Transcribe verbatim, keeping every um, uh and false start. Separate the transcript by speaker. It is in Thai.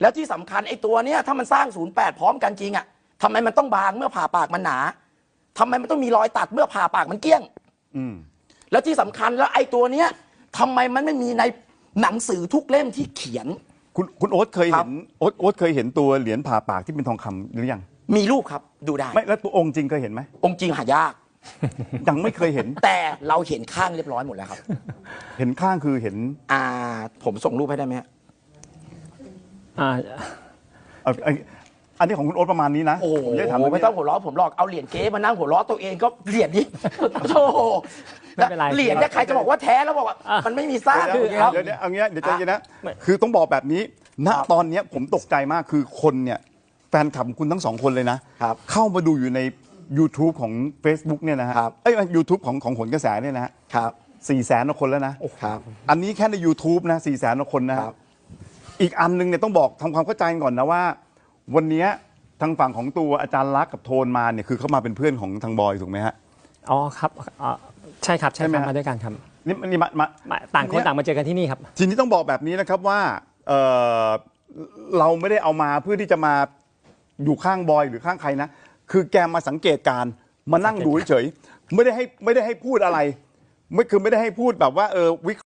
Speaker 1: แล้วที่สำคัญไอ้ตัวเนี้ยถ้ามันสร้างศูนย์แปดพร้อมกันจริงอ่ะทำไมมันต้องบางเมื่อผ่าปากมันหนาทำไมมันต้องมีรอยตัดเมื่อผ่าปากมันเกี้ยง
Speaker 2: อืม
Speaker 1: แล้วที่สำคัญแล้วไอ้ตัวเนี้ยทำไมมันไม่มีในหนังสือทุกเล่มที่เขียน
Speaker 2: คุณคุณโอ๊ตเคยเห็นโอ๊ตโอ๊ตเคยเห็นตัวเหรียญผ่าปากที่เป็นทองคำหรือยัง
Speaker 1: มีรูปครับดูได้
Speaker 2: ไม่แล้วตัวองค์จริงเคยเห็นไหม
Speaker 1: องค์จริงหายาก
Speaker 2: ยังไม่เคยเห็น
Speaker 1: แต่เราเห็นข้างเรียบร้อยหมดแล้วครับ
Speaker 2: เห็นข้างคือเห็น
Speaker 1: อ่าผมส่งรูปให้ได้ไหม
Speaker 3: อ่า
Speaker 2: อันนี้ของคุณโอ๊ตประมาณนี้นะ
Speaker 1: โอ้โหไม่ต้องหัวเราะผมหรอกเอาเหรียญเก๊มานั่งหัวเราะตัวเองก็เหรียญนี้โอ้โหเหรียญเนี่ยใครจะบอกว่าแท้แล้วบอกว่ามันไม่มีสร้าง
Speaker 2: เดี๋ยวเดี๋ยวเอางี้เดี๋ยวใจเย็นนะคือต้องบอกแบบนี้ณตอนนี้ผมตกใจมากคือคนเนี่ยแฟนคลับคุณทั้งสองคนเลยนะเข้ามาดูอยู่ใน YouTube ของ Facebook เนี่ยนะฮะเอ้ย YouTube ของของผลกระแสเนี่ยนะฮะสี่แสนคนแล้วนะอันนี้แค่ใน YouTube นะสี่แสนคนนะอีกอันนึงเนี่ยต้องบอกทำความเข้าใจก่อนนะว่าวันนี้ทางฝั่งของตัวอาจารย์ลักษณ์กับโทนมาเนี่ยคือเขามาเป็นเพื่อนของทางบอยถูกไหมฮะ
Speaker 3: อ๋อครับใช่ครับใช่ครับมาด้วยกันครับ
Speaker 2: นี่นี่มา
Speaker 3: มาต่างคนต่างมาเจอกันที่นี่ครับ
Speaker 2: ทีนี้ต้องบอกแบบนี้นะครับว่าเออเราไม่ได้เอามาเพื่อที่จะมาอยู่ข้างบอยหรือข้างใครนะคือแกมาสังเกตการมานั่งดูเฉยไม่ได้ให้ไม่ได้ให้พูดอะไรไม่คือไม่ได้ให้พูดแบบว่าเออวิ